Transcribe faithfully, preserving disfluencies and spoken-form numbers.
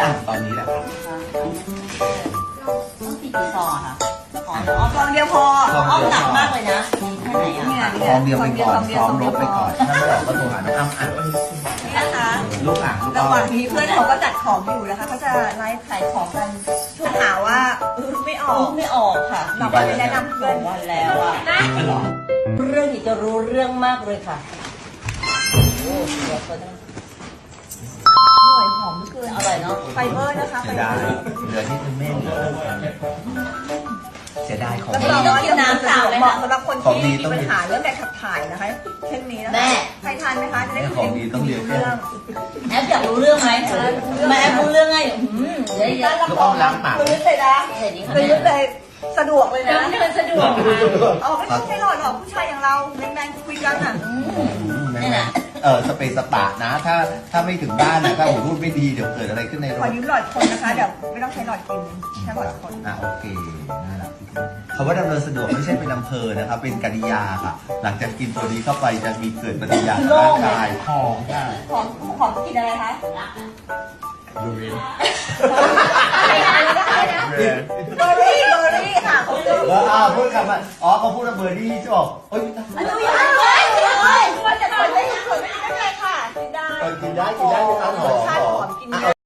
ตอนนี้แหละครับต้องสี่กี่ซองอะค่ะขออ๋อซองเดียวพออ้อมหนักมากเลยนะมีแค่ไหนอ่ะเนี่ยซองเดียวไปก่อนซงเดียวซ้อมซงรเดียวบไปก่อนถ้าไม่ออกก็โทรหาน้องอ้ำอ่ะนี่นะคะลูกอ่างลูกระอ้อหว่างนี้เพื่อนเขาก็จัดของอยู่นะคะเขาจะไลฟ์ขายของกันช่วงหาว่าเออไม่อออ๋กอไม่ออกค่ะเราไปแนะนำเพื่อนวันแล้วอ่ะเรื่องนี้จะรู้เรื่องมากเลยค่ะโอ้เดี๋ยวเขาจะอร่อยหอมเหลือเกินอร่อยเนาะไฟเบอร์นะคะไฟเสียเบอดายร์เหลือที่คุณแม่เหลือเสียดายของแล้วดีก็ว่าจะน้ำสาวเหมาะสำหรับคนของดีที่ต้มีองปัญหาเรื่องการขับถ่ายนะคะเช่นนี้นะคะแม่ใครทานไหมคะจะได้ของดีต้องเรียนเรื่องแอปอยากรู้เรื่องไหมแม่แอปรู้เรื่องไงอืมเดี๋ยวเดี๋ยวลูกอ้อมล้างปากพื้นเลยนะเดี๋ยวนี้ค่ะพื้แม่นเลยสะดวกเลยนะเดินสะดวกค่ะอ๋อไม่ต้องใช้หลอดหรอกผู้ชายอย่างเราแมนๆคุยกันอ่ะนี่แหละเออสเปซสปะนะ ถ้าถ้าไม่ถึงบ้านนะถ้าผมพูดไม่ดีเดี๋ยวเกิดอะไรขึ้นในรขอถยืมหลอดคนนะคะเดี๋ยวไม่ต้องใช้หลอดกินแค่หลอดคนอ่ะโอเคน่ารักคำว่าดำเนินสะดวกไม่ใช่เป็นอำเภอนะครับเป็นกริยาค่ะ หลังจากกินตัวนี้เข้าไปจะมีเกิดปฏิกิริยาทางร่างกายหอมค่ะหอมหอมกินอะไรคะดูเรนอะไรนะอะไรนะอะไรนะเบอร์รี่เบอร์รี่ค่ะเขาเรียกเอออ่าพูดคำว่าอ๋อเขาพูดว่าเบอร์ดี้ใช่ป่ะเอ้ยอันนี้ยังไม่เลยควรจะควรไม่ควรไม่ได้ค่ะกินได้กินได้กินได้ไหมครับหอมรสชาติหหออมมกินได้